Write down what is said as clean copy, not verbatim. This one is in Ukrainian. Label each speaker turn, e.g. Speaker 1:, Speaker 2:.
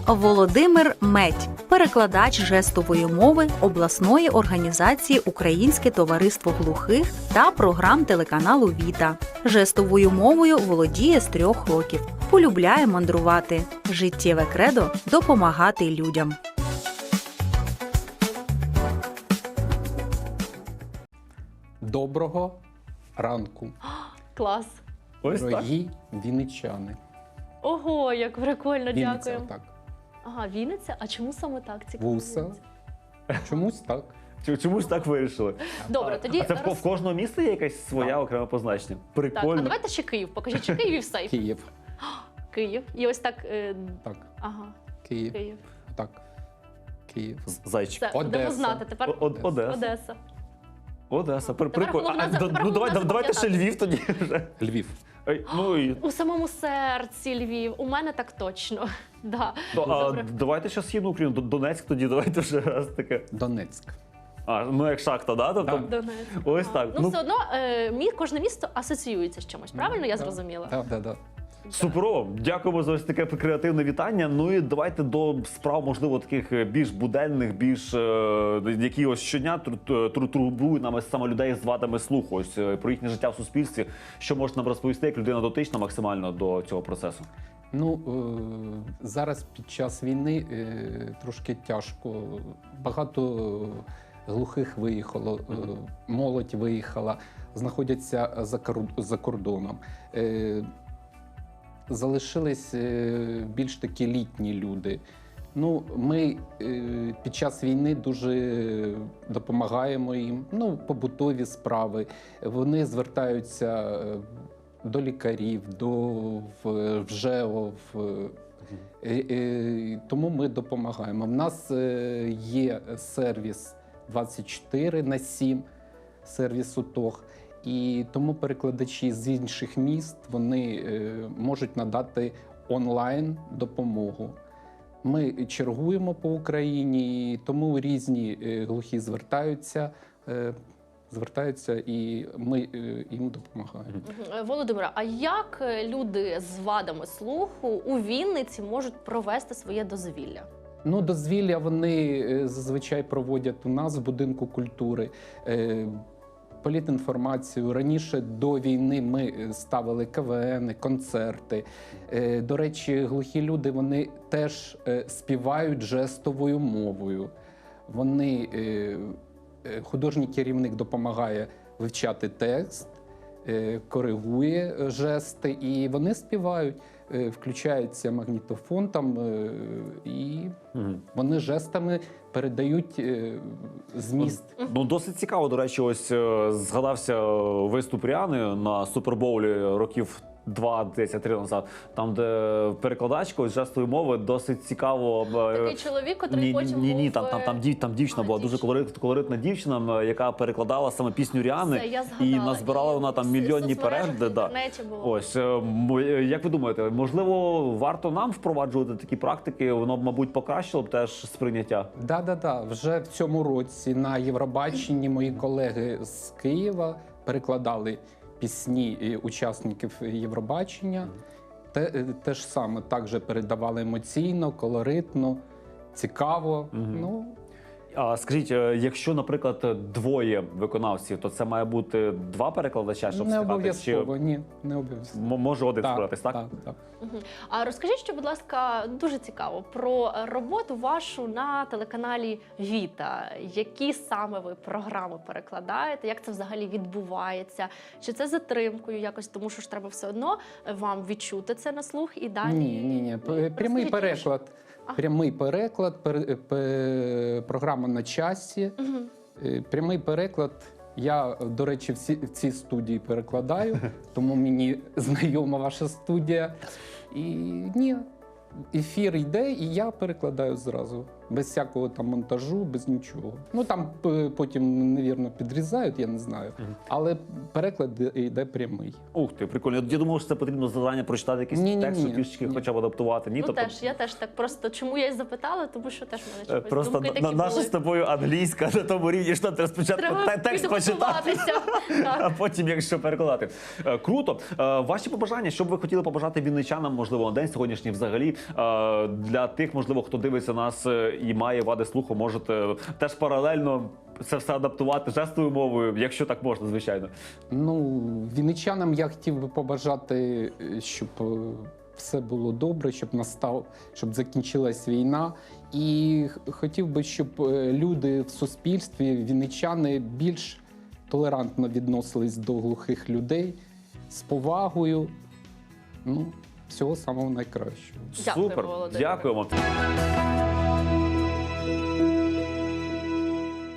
Speaker 1: Володимир Медь, перекладач жестової мови обласної організації Українське товариство глухих та програм телеканалу Віта. Жестовою мовою володіє з 3 років. Полюбляє мандрувати. Життєве кредо – допомагати людям.
Speaker 2: Доброго ранку,
Speaker 3: Клас.
Speaker 4: Ось так.
Speaker 2: дорогі вінничани.
Speaker 3: Ого, як прикольно,
Speaker 2: Вінниця,
Speaker 3: дякую.
Speaker 2: так.
Speaker 3: Ага, Вінниця? А чому саме так? Цікаво.
Speaker 2: Вуса. Чомусь так.
Speaker 4: Чомусь так вирішили.
Speaker 3: Добре, тоді
Speaker 4: А це в кожного міста є якась своя окреме позначення?
Speaker 3: Так, а
Speaker 4: Прикольно.
Speaker 3: давайте ще Київ. Покажіть, чи Київ і все.
Speaker 2: Київ.
Speaker 3: Київ. І ось так.
Speaker 2: Так.
Speaker 3: Ага,
Speaker 2: Київ.
Speaker 3: Київ.
Speaker 2: Так. Київ.
Speaker 4: Зайчик.
Speaker 3: Все, будемо
Speaker 2: Одеса.
Speaker 3: знати. Тепер
Speaker 4: Одеса.
Speaker 3: Одеса.
Speaker 4: Одеса.
Speaker 3: Тепер
Speaker 4: Прикольно.
Speaker 3: головне
Speaker 4: Ну давайте
Speaker 3: запам'ятати.
Speaker 4: ще Львів тоді вже.
Speaker 2: Львів.
Speaker 4: Ну і
Speaker 3: У самому серці Львів. У мене так точно. Да. Добре.
Speaker 4: давайте ще східну Україну. Донецьк тоді, давайте вже раз таке.
Speaker 2: Донецьк.
Speaker 4: Ну як шахта, да? Тобто,
Speaker 2: Так.
Speaker 3: Донецьк.
Speaker 4: ось
Speaker 3: Ага.
Speaker 4: так.
Speaker 3: Ну,
Speaker 4: Ну,
Speaker 3: все одно кожне місто асоціюється з чимось. Правильно я зрозуміла?
Speaker 2: Так.
Speaker 4: суперово. Дякуємо за ось таке креативне вітання. Ну і давайте до справ, можливо, таких більш буденних, більш які ось щодня турбують нами саме людей з вадами слуху. Ось про їхнє життя в суспільстві. Що можна нам розповісти, як людина дотична максимально до цього процесу?
Speaker 2: Ну, зараз під час війни трошки тяжко. Багато глухих виїхало, молодь виїхала, знаходяться за кордоном. Залишились більш такі літні люди. Ну, ми під час війни дуже допомагаємо їм, ну, побутові справи. Вони звертаються до лікарів, в ЖЕО, тому ми допомагаємо. В нас є сервіс 24/7, сервіс УТОГ. І тому перекладачі з інших міст вони можуть надати онлайн допомогу. Ми чергуємо по Україні, і тому різні глухі звертаються, і ми їм допомагаємо.
Speaker 3: Володимире, а як люди з вадами слуху у Вінниці можуть провести своє дозвілля?
Speaker 2: Ну, дозвілля вони зазвичай проводять у нас в будинку культури. Політінформацію. Раніше до війни ми ставили КВН, концерти. До речі, глухі люди, вони теж співають жестовою мовою. Вони, художній керівник допомагає вивчати текст, коригує жести, і вони співають. Включається магнітофон там, і вони жестами передають зміст.
Speaker 4: Ну, досить цікаво, до речі, ось згадався виступ Ріани на Супербоулі років 2-3 назад, там, де перекладачка ось жестової мови досить цікаво.
Speaker 3: Такий чоловік, котрий потім
Speaker 4: Ні,
Speaker 3: був...
Speaker 4: там дівчина була, дуже колоритна дівчина, яка перекладала саме пісню Ріани.
Speaker 3: Все, я згадала.
Speaker 4: І назбирала вона там мільйонні перегляди.
Speaker 3: В інтернеті було.
Speaker 4: Ось, як ви думаєте, можливо, варто нам впроваджувати такі практики? Воно б, мабуть, покращило б теж сприйняття?
Speaker 2: Да. Вже в цьому році на Євробаченні мої колеги з Києва перекладали пісні учасників Євробачення. Те ж саме, також передавали емоційно, колоритно, цікаво. Ну,
Speaker 4: А скажіть, якщо, наприклад, двоє виконавців, то це має бути 2 перекладача, щоб
Speaker 2: не
Speaker 4: встигати?
Speaker 2: обов'язково, ні, не обов'язково.
Speaker 4: Може один справитись, так?
Speaker 2: Так.
Speaker 3: А розкажіть, що, будь ласка, дуже цікаво про роботу вашу на телеканалі Віта. Які саме ви програми перекладаєте? Як це взагалі відбувається? Чи це затримкою якось? Тому що ж треба все одно вам відчути це на слух і далі?
Speaker 2: Ні. Прямий
Speaker 3: Розкажіть
Speaker 2: переклад. Прямий переклад, програма на часі. Прямий переклад. Я, до речі, в цій студії перекладаю, тому мені знайома ваша студія. І ні, ефір йде, і я перекладаю зразу. без всякого там монтажу, без нічого. Ну там потім, навірно, підрізають, я не знаю. Але переклад йде прямий.
Speaker 4: Ух ти, прикольно. Я думав, що це потрібно завдання прочитати якийсь
Speaker 2: Ні-ні-ні.
Speaker 4: текст, щоб трішечки
Speaker 2: Ні.
Speaker 4: хоча б адаптувати. Ні,
Speaker 3: Ну теж, я теж так просто, чому я й запитала, тому що теж в мене чогось
Speaker 4: просто
Speaker 3: думки такі
Speaker 4: наша
Speaker 3: були.
Speaker 4: з тобою англійська на тому рівні, що треба спочатку
Speaker 3: Треба
Speaker 4: текст почитати.
Speaker 3: підготуватися. Так.
Speaker 4: А потім, якщо перекладати. Круто. Ваші побажання, що б ви хотіли побажати вінничанам, можливо, на день сьогоднішній взагалі, для тих, можливо, хто дивиться нас і має вади слуху, можете теж паралельно це все адаптувати жестовою мовою, якщо так можна, звичайно.
Speaker 2: Ну, вінничанам я хотів би побажати, щоб все було добре, щоб закінчилась війна. І хотів би, щоб люди в суспільстві, вінничани, більш толерантно відносились до глухих людей, з повагою. Ну, всього самого найкращого.
Speaker 3: Дякую,
Speaker 4: Супер,
Speaker 3: Володимире.
Speaker 4: дякуємо.